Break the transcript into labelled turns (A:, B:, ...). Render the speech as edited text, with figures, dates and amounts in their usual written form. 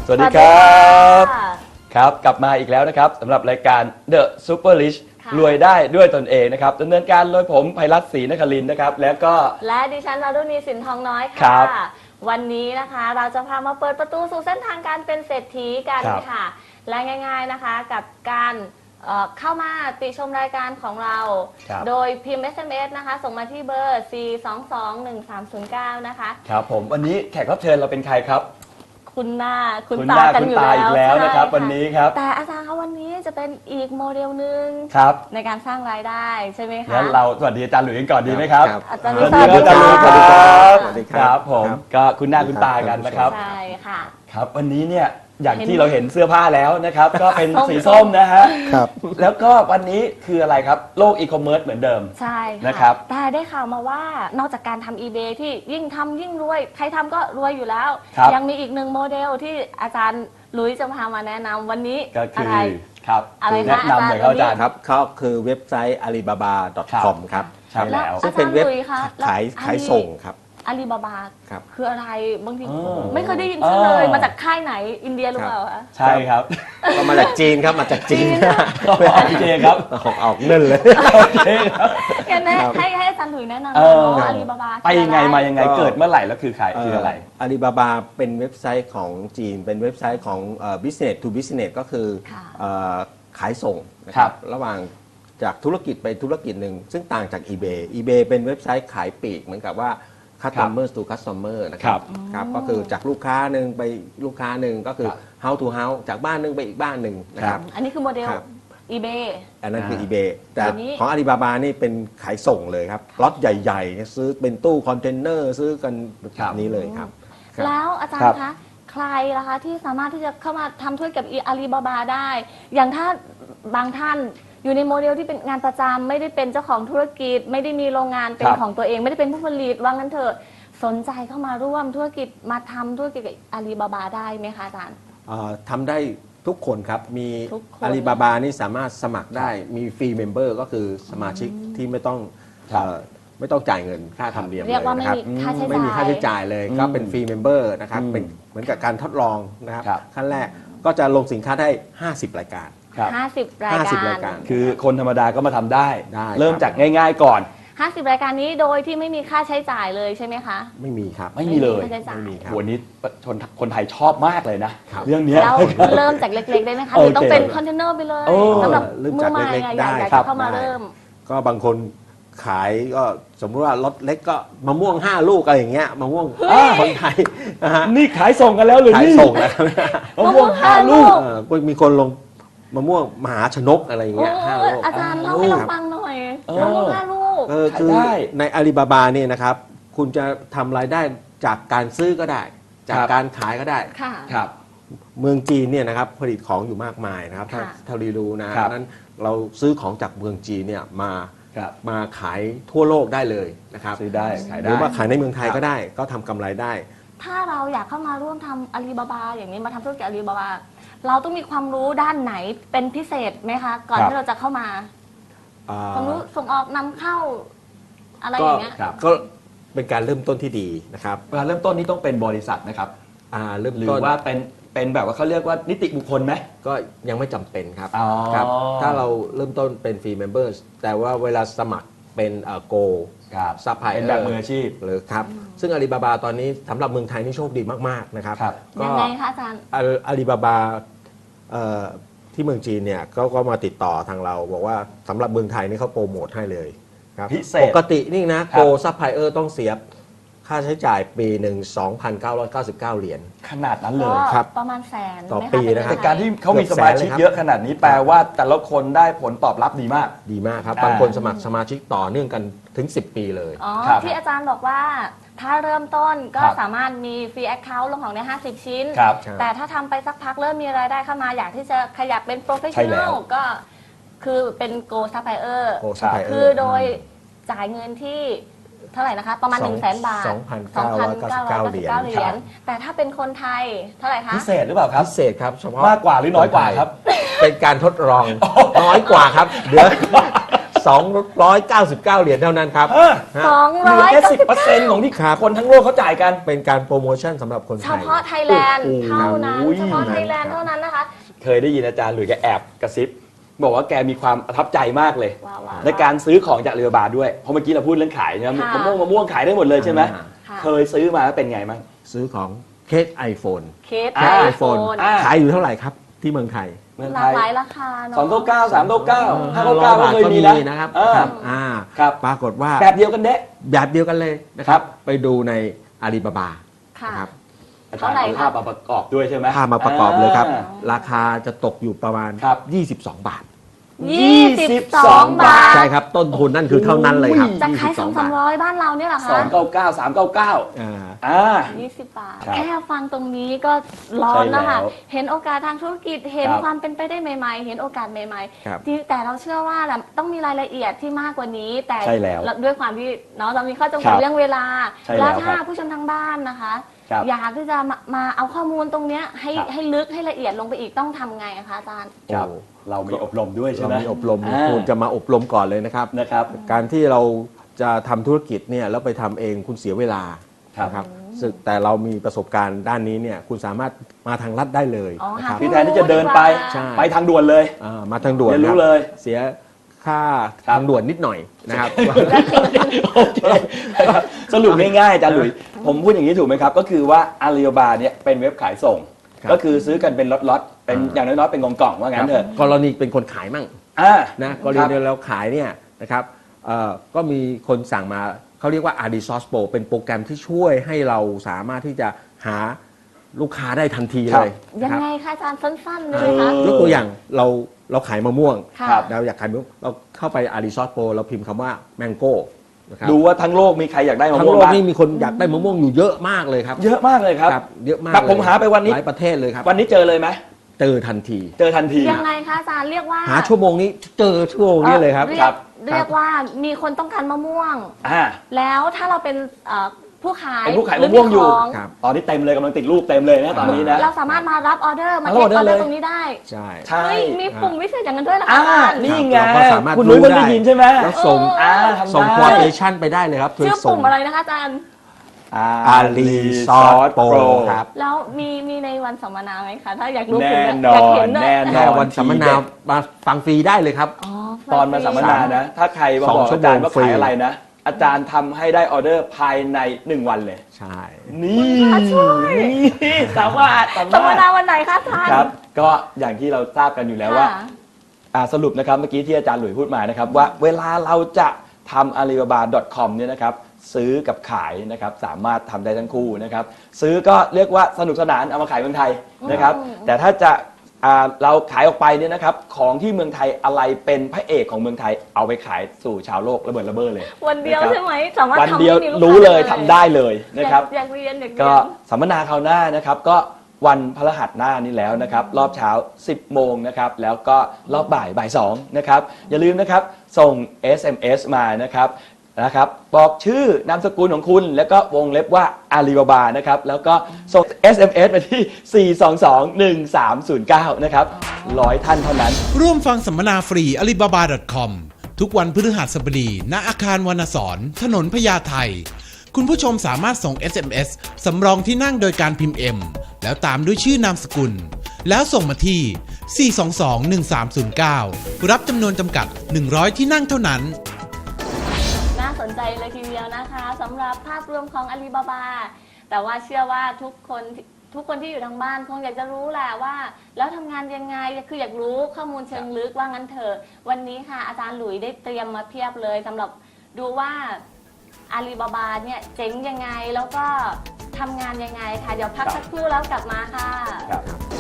A: สวัสดีครับครับกลับมาอีกแล้วนะครับสำหรับรายการ The Super Rich รวยได้ด้วยตนเองนะครับดำเนินการโดยผมไพรัตน์ ศรีนครินทร์นะครับแล้วก็
B: และดิฉันวารุณี สินทองน้อย
A: ครั
B: ค่ะ
A: บ
B: วันนี้นะคะเราจะพามาเปิดประตูสู่เส้นทางการเป็นเศรษฐีกัน
A: ครับ
B: ค่ะ และง่ายๆนะคะกับการเข้ามาติชมรายการของเรา
A: ครับ
B: โดยพิมพ์ SMS นะคะส่งมาที่เบอร์ 4221309 นะคะ
A: ครับผมวันนี้แขกรับเชิญเราเป็นใครครับ
B: คุณหน้าคุณ
A: คุณ
B: ตา
A: หน้า
B: กัน
A: คุณ
B: อยู่
A: ตาอีกแล้วนะครับ
B: ใช่
A: วันนี้ครับ
B: แต่อาจารย์คะวันนี้จะเป็นอีกโมเดลหนึ่ง
A: ครับ
B: ในการสร้างรายได้ใช่ไหมคะ
A: งั้นเราสวัสดีอาจารย์หลุยส์กันก่อนดีไหมครับ
B: อาจารย์
A: สวัส
B: ส
A: ดี
B: วัส
A: ค
B: ดี
A: รับอาจารย์หลุยส์
B: ค่ะ
A: สวัสดีครับ
C: สวัสดี
A: ค
C: ครั
A: รับบ ผมก็คุณหน้าคุณตากันนะครับ
B: ใช่ค่ะ
A: ครับวันนี้เนี่ยอย่างที่เราเห็นเสื้อผ้าแล้วนะครับ ก็เป็นสีส้มนะฮะ
C: ครับ
A: แล้วก็วันนี้คืออะไรครับโลกอีคอมเมิร์ซเหมือนเดิม
B: ใช่ค่ะ
A: นะครับ
B: แต่ได้ข่าวมาว่านอกจากการทำ eBay ที่ยิ่งทำยิ่งรวย ใครทำก็รวยอยู่แล้ว
A: ครับ
B: ยังมีอีกหนึ่งโมเดลที่อาจารย์หลุยส์จะพามาแนะนำวันนี้
A: ก็คื
B: อะ
A: อ
B: ไร
A: ครับ
B: อะไรนะ
A: แนะนำเลยครับอาจารย์
C: ครับเขาคือเว็บไซต์ alibaba.com ครับ
A: ใช่แล้ว
C: ซึ่งเป็นเว็บ
B: อาจารย์หลุยส์คะแล้ว
C: ขายส่งครับ
B: อาลีบาบา
C: ครับ
B: คืออะไรบางที
A: อ๋อ
B: ไม่เคยได้ยินชื่อเลย
A: อ๋อ
B: มาจากค่ายไหนอินเดียหรือเปล่าคะ
A: ใช่ครับ
C: ก็มาจากจีนครับมาจากจีน
A: โอเคครับ
C: ออกเนิ่นเลย
A: โอเคครับ
B: งั้นให้
C: ครับ
B: ให้อาจารย์หลุยส์แนะนำ
A: เอ
B: หน่อย
A: อ
B: ว่าอาลีบาบา
A: ไปยังไงมายังไง
C: ก็
A: เกิดเมื่อไหร่แล้วคือใครคืออะไร
C: อาลีบาบาเป็นเว็บไซต์ของจีน เป็นเว็บไซต์ของbusiness to business ก็คือ
B: ค่ะ
C: ขายส่งนะค
A: ครั
C: รับ บระหว่างจากธุรกิจไปธุรกิจหนึ่งซึ่งต่างจาก eBay eBay เป็นเว็บไซต์ขายปลีกเหมือนกับว่า customer to customer นะครับครับก็คือจากลูกค้าหนึ่งไปลูกค้าหนึ่งก็คือ
A: ครับ
C: house to house จากบ้านหนึ่งไปอีกบ้านหนึ่งนะครับ
B: อันนี้คือโมเดล
C: ครับ
B: eBay
C: อันนั้นคือ
A: อ่า
C: eBay แต่
B: อันนี้
C: ของ Alibaba นี่เป็นขายส่งเลยครับล็อตใหญ่ๆ ซื้อเป็นตู้คอนเทนเนอร์ซื้อกันแบบนี้เลยครับครับ
B: แล้วอาจาร
A: ครั
B: ย์
A: บ
B: คะใครล่ะคะที่สามารถที่จะเข้ามาทำธุรกิจกับอาลีบาบาได้ อย่างถ้าบางท่านอยู่ในโมเดลที่เป็นงานประจำไม่ได้เป็นเจ้าของธุรกิจ ไม่ได้มีโรงงานเป็น
A: ครับ
B: ของตัวเอง ไม่ได้เป็นผู้ผลิตว่างั้นเถอะสนใจเข้ามาร่วมธุรกิจมาทำธุรกิจกับอาลีบาบาได้ไหมคะอาจารย์
C: ทำได้ทุกคนครับ มี
B: ทุกคน
C: Alibaba นี่สามารถสมัครได้มีฟรีเมมเบอร์ก็คือสมาชิกที่ไม่ต้อง
A: ครับ
C: ไม่ต้องจ่ายเงินค่าธรรมเนียม
B: เรียกว่า
C: ล
B: ไม่
C: นะครับ
B: มีค่าใช้จ่าย
C: ไม่มีค่าใช้จ่ายเลย ก็เป็นฟรีเมมเบอร์นะครับ
A: อืม
C: เป็นเหมือนกับการทดลองนะครับ
A: ครับ
C: ขั้นแรกก็จะลงสินค้าได้ 50 รายการ
A: ครับ
B: 50 ราย
C: 50
B: กา
C: ราร ยการ
A: คือคนธรรมดาก็มาทำได้
C: ได้
A: เริ่ม
C: ครับ
A: จากง่าย ๆ ก่อน
B: 50 รายการนี้โดยที่ไม่มีค่าใช้จ่ายเลยใช่ไหมคะ
C: ไม่มีครับ
A: ไม่มีเลย
B: ค่าใช้จ่าย
C: ไม่มีครับ
A: โหวันนี้คนไทยชอบมากเลยนะครับ เรื่องเนี้ย
B: แล้วเริ่มจากเล็กๆได้ไหมคะหรือต้องเป็นคอนเทนเนอร์ไปเลย
A: โอ้
B: สำหรับ
C: เริ่ม
B: มื
C: จา
B: อก ใหม่
C: เล็กๆ
B: อะ
C: ได้
B: อยาก
C: ครั
B: จะ
C: บ
B: เข้ามา
C: ได้
B: เริ่ม
C: ก็บางคนขายก็สมมติว่ารถเล็กก็มะม่วง 5 ลูกอะไรอย่างเงี้ยมะม่วงคนไทยนะฮะ
A: นี่ขายส่งกันแล้วหรือ
C: ขาย
A: นี่
C: ส่งแล้วครับ
A: มะม่วงห้าลูก
C: ก็มีคนลงมะม่วงมหาชนกอะไรอย่าง
B: โอ้
C: เงี้ย5 ลูก
B: อาจารย์เล่าให้เราฟังหน่อย
A: เออ
B: มะม่วง5 ลูก
C: คือ
A: ขายได้
C: ในอาลีบาบาเนี่ยนะครับคุณจะทำรายได้จากการซื้อก็ได้ จาก
A: ครับ
C: การขายก็ได้
B: ค่ะ
A: ครับ
C: เมืองจีนเนี่ยนะครับผลิตของอยู่มากมายนะครับถ้า
B: ค่ะ
C: เท่าที่รู้นะครับ นั้นเราซื้อของจากเมืองจีนเนี่ย
A: ครับ
C: มาขายทั่วโลกได้เลยนะครับ
A: ซื้อได้ขาย
C: ห
A: ได้
C: รือว่าขายในเมืองไทย
A: ครับ
C: ก็ได้ก็ทำกำไรได้
B: ถ้าเราอยากเข้ามาร่วมทำอาลีบาบาอย่างนี้มาทำธุรกิจอาลีบาบา เราต้องมีความรู้ด้านไหนเป็นพิเศษไหมคะ ก่อน
A: ครับ
B: ที่เราจะเข้ามา ความรู้ส่งออกนำเข้าอะไรอย่างเงี้ย
A: ครับ
C: ก็เป็นการเริ่มต้นที่ดีนะครับ
A: เวลาเริ่มต้นนี่ต้องเป็นบริษัทนะครับ
C: เริ่ม
A: หรือ
C: ต้น
A: ว่าเป็นแบบว่าเขาเรียกว่านิติบุคคลไหม
C: ก็ยังไม่จำเป็นครับ
A: อ๋อ
C: ครับถ้าเราเริ่มต้นเป็นฟรีเมมเบอร์แต่ว่าเวลาสมัครเป็นโก
A: ครับ
C: ซัพพลาย
A: เป็นแบบมืออาชีพ
C: หรือครับซึ่งอาลีบาบาตอนนี้สำหรับเมืองไทยนี่โชคดีมากๆนะครับ
A: ครับ
C: ก็
B: ยังไงคะอาจารย์
C: อาลีบาบาที่เมืองจีนเนี่ยก็มาติดต่อทางเราบอกว่าสำหรับเมืองไทยนี่เขาโปรโมทให้เลยครับ
A: พิเศษ
C: ปกตินี่นะโกซัพพลายเออร์ต้องเสียค่าใช้จ่ายปีหนึ่ง 2,999 เหรียญ
A: ขนาดนั้นเลย
B: ก็
C: ครับ
B: ประมาณแสน
C: ต่อ
B: ไหม
C: ปี
B: เป็
C: นะครับ
A: แต่
B: เงิไทย
A: การที่เขามีสมาชิกเยอะขนาดนี้แปลว่าแต่ละคนได้ผลตอบรับดีมาก
C: ดีมากครับ
A: อ่า
C: บางคนสมัครสมาชิกต่อเนื่องกันถึง 10 ปีเลย
B: อ๋อ
A: ครับ
B: ที่อาจารย์บอกว่าถ้าเริ่มต้นก็
A: ครับ
B: สามารถมีฟรีแอคเคาท์ลงของใน50 ชิ้น
A: ครับ
B: แต่ถ้าทำไปสักพักเริ่มมีรายได้เข้ามาอยากที่จะขยับเป็นโปรเฟช
A: ใช่
B: ชั่น
A: แล้
B: แน
A: ว
B: ลก็คือเป็นโกซัพพลายเออร์
C: โกซัพพลายเออร์
B: คือโดยจ่ายเงินที่เท่าไหร่นะคะ ประมาณ 100,000 บาท
C: 2,999 เหรียญ
B: เหรียญแต่ถ้าเป็นคนไทยเท่าไหร่คะ
A: พิเศษหรือเปล่าครับ
C: พิเศษครับเฉพาะ
A: มากกว่าหรือน้อยกว่าครับ
C: เป็นการทดลองน้อยกว่าครับเดี๋ยว 299 เหรียญเท่านั้นครับ
A: เออ
C: ฮะ
A: เหลือแค่ 10% ของที่
C: ครับ
A: คนทั้งโลกเขาจ่ายกัน
C: เป็นการโปรโมชั่นสำหรับคนไท
B: เฉ
C: ย
B: พาะไทยแลนด์
C: โอ้โห
B: เท่านั้น
A: โอ้ย
B: เฉพาะไทยแลนด์เท่านั้นนะคะ
A: เคยได้ยินอาจารย์หลุยส์แกแอบกระซิบบอกว่าแกมีความประทับใจมากเลย
B: ว้าว
A: ในการซื้อของจากเรือบาด้วยเพราะเมื่อกี้เราพูดเรื่องขายนะ
B: ค่ะ
A: มะม่วงขายได้หมดเลยใช่ไหม
B: ค่ะ
A: เคยซื้อมาแล้วเป็นไงบ้าง
C: ซื้อของเคส iPhone
B: เคส
A: อ่า
B: ไอ
C: ไอ
B: โฟ
C: โฟน
B: น
A: อ่า
C: ขายอยู่เท่าไหร่ครับที่เมืองไทย
A: เมือง
B: ห
A: ไท
B: ลาก
A: ย
B: หลายราคาเนาะ
A: 299 399
C: 500
A: 599ก็เคยมีนะ
C: นะครับ
A: เออ
C: ครับ
A: ครับ
C: ปรากฏว่า
A: แบบเดียวกันเด้
C: แบบเดียวกันเลยนะค
A: ครั
C: รับ
A: บ
C: ไปดูในอาลีบาบา
B: ค่ะ
C: นะครับ
A: อาจารย์เอาภาพมาประกอบด้วยใช่ไหม
C: ภาพมาประกอบเลยครับ
A: อ่า
C: ราคาจะตกอยู่ประมาณ
A: ครับ
C: 22 บาท
B: 22 บาท
C: ใช่ครับ ต้นทุนนั่นคือเท่านั้นเลยครับ
B: จะขาย
C: 22 บาท
B: 200-300 บ้านเราเนี่ยเหรอคะ
A: 299 399
C: อ่า
A: อ่า
B: 20 บาท
A: ครับ
B: แค่ฟังตรงนี้ก็ร้อนแล้วค่ะ
A: ใช่แล้ว
B: เห็นโอกาสทางธุรกิจ เห็น
A: ครับ
B: ความเป็นไปได้ใหม่ๆ เห็นโอกาสใหม่
C: ครับ
B: ๆที่แต่เราเชื่อว่าต้องมีรายละเอียดที่มากกว่านี้ แต่
A: ใช่แล้ว
B: ด้วยความที่เนาะเรามีข้อจำกัด
A: ครับ
B: เรื่องเวลา
A: ใช่แล้ว
B: แล้วถ้า
A: ครับ
B: ผู้ชมทางบ้านนะคะ
A: ครับ
B: อยากที่จะมาเอาข้อมูลตรงเนี้ยให้
A: ครับ
B: ให้ลึกให้ละเอียดลงไปอีกต้องทำไงอะคะอาจารย์
A: ครับ
C: โอ้
A: เรามีอบรมด้วยใช่
C: เรา
A: ไหม
C: มีอบรม
A: อ่า
C: คุณจะมาอบรมก่อนเลยนะครับ
A: นะครับ
C: การที่เราจะทำธุรกิจเนี่ยแล้วไปทำเองคุณเสียเวลา
A: ครับ
C: นะครับซึ่งแต่เรามีประสบการณ์ด้านนี้เนี่ยคุณสามารถมาทางลัดได้เลย
B: อ๋อ
C: นะครับ
B: หา
A: คือแทนที่จะเดินไป
C: ใช่
A: ไปทางด่วนเลย
C: มาทางด่วน
A: เรียนรู้
C: คบ
A: เลย
C: เสียค่า
A: ครับ
C: ทางด่วนนิดหน่อยนะครับ
A: โอเคสรุปง่ายๆอาจารย์หลุยส์ผมพูดอย่างนี้ถูกไหมครับ ก็คือว่าอาลีบาบาเนี่ยเป็นเว็บขายส่ง
C: ครับ
A: ก็คือซื้อกันเป็นล็อตๆเป็นอย่างน้อยๆเป็นกล่องๆว่างั้นเถอะ
C: กรณีเป็นคนขายมั่ง
A: อ่า
C: นะกร
A: ค
C: ณี
A: บ
C: เราขายเนี่ยนะครับก็มีคนสั่งมาเขาเรียกว่า RD Source Pro เป็นโปรแกรมที่ช่วยให้เราสามารถที่จะหาลูกค้าได้ทันทีเลย
B: ยั
C: นะ
B: ง
C: ครับ
B: ไงคะอาจารย์สั้นๆเลยไหมคะ
C: ยกตัวอย่างเราขายมะม่วง
B: ค่ะ
A: ครับ
C: เราอยากขายมะม่วงเราเข้าไป RD Source Pro เราพิมพ์คำว่า Mango นะครับ
A: ดูว่าทั้งโลกมีใครอยากได้มะ
C: ทั้ง
A: ม่วง
C: โลก
A: บ้าง
C: นี่มีคนอยากได้มะม่วงอยู่เยอะมากเลยครับ
A: เยอะมากเลยครับ
C: เยอะมาก
A: ครับ
C: เลย
A: ผมหาไปวันนี้
C: หลายประเทศเลยครับ
A: วันนี้เจอเลยไหม
C: เจอทันที
A: เจอทันที
B: ยังไงคะอาจารย์เรียกว่า
C: หาชั่วโมงนี้เจอชั่วโมงนี้เลยครับ
B: เรียกว่ามีคนต้องการมะม่วง
A: อ่า
B: แล้วถ้าเราเป็นผู้ขาย
A: เป็นผู้ขาย
B: หรื
A: มะม่วงอยู่
B: ข
C: ครับ
A: ตอนนี้เต็มเลยกำลังติดรูปเต็มเลยนะตอนนี้นะ
B: เราสามารถมารับออเดอร์มา
A: มา
B: เท
A: รับ
B: ค
A: อ
B: อ
A: อ
B: อ
A: เด
B: เด
A: อ
B: อ
A: ร์เลย
B: ร์ตรงนี้ได้
C: ใช่
A: ใช่
B: เฮ้ยมีปุ่มวิเศษอย่างนั้นด้วยเหรอคะ
A: อ่า
B: อาจารย์
A: นี่ไง
C: เราก็สามารถ
A: คุณนุ้ย
C: รู้
A: ไม่ได้
C: ได้
A: ยินใช่ไหม
C: แล้วส่ง
A: ทำ
C: ส่ง
A: ได้
C: โปรเอชั่นไปได้เลยครับ
B: ชื่อ
C: ส่ง
B: ปุ่มอะไรนะคะอาจารย์
C: Ali Source Pro ครับ
B: แล้วมีในวันสัมมนาไหมคะ ถ้าอยากรู้
A: แน่
B: ปุ่ม
A: นอน
B: อยากเห็นด้วย
A: แน่น
C: แค่
A: อน
C: วันสัมมนามาฟังฟรีได้เลยครับ
B: อ๋อ
A: ตอนมาสัมมนานะ ถ้าใครมาบอก
C: 2 ชั่ว
A: อา
C: โมง
A: จารย์ว่า
C: ฟรี
A: ขายอะไรนะ อาจารย์ทำให้ได้ออเดอร์ภายใน 1 วันเลย
C: ใช่
A: นี่นี่สามารถ
B: สัมมนาวันไหนคะอาจารย์
A: ครับ ก็อย่างที่เราทราบกันอยู่แล้วว่า
B: ค่ะ
A: สรุปนะครับเมื่อกี้ที่อาจารย์หลุยส์พูดมานะครับว่าเวลาเราจะทำ alibaba.com เนี่ยนะครับซื้อกับขายนะครับสามารถทำได้ทั้งคู่นะครับซื้อก็เรียกว่าสนุกสนานเอามาขายเมืองไทยนะครับ แต่ถ้าจะเราขายออกไปเนี่ยนะครับของที่เมืองไทยอะไรเป็นพระเอกของเมืองไทยเอาไปขายสู่ชาวโลกระเบิดระเบ้อเลย
B: วันเดียว
A: นะครับ
B: ใช่ไหมสามารถ
A: วัน
B: ทำ
A: เดียว
B: ให้มีกค้า
A: รู้เลยทำได้เลยนะครับ
B: อยากเรียนอยากเรียน
A: ก็สัมมนาคราวหน้านะครับก็วันพฤหัสหน้านี้แล้วนะครับรอบเช้า 10 โมงนะครับแล้วก็รอบบ่าย2นะครับอย่าลืมนะครับส่ง SMS มานะครับบอกชื่อนามสกุลของคุณแล้วก็วงเล็บว่าอาลีบาบานะครับแล้วก็ส่ง SMS ไปที่ 422-1309 นะครับ100 ท่านเท่านั้น
D: ร่วมฟังสัมมนาฟรี alibaba.com ทุกวันพฤหัสบดีณอาคารวรรณสอนถนนพญาไทคุณผู้ชมสามารถส่ง SMS สำรองที่นั่งโดยการพิมพ์ M แล้วตามด้วยชื่อนามสกุล แล้วส่งมาที่ 422-1309 รับจำนวนจำกัด 100 ที่นั่งเท่านั้น
B: น่าสนใจเลยทีเดียวนะคะสำหรับภาพรวมของอาลีบาบาแต่ว่าเชื่อว่าทุกคนที่อยู่ทางบ้านคงอยากจะรู้แหละว่า แล้วทำงานยังไงคืออยากรู้ข้อมูลเชิงลึกว่างั้นเถอะวันนี้ค่ะอาจารย์หลุยได้เตรียมมาเพียบเลยสำหรับดูว่าอาลีบาบาเนี่ยเจ๋งยังไงแล้วก็ทำงานยังไงค่ะเดี๋ยวพักสักครู่แล้วกลับมาค่ะ
A: ครับ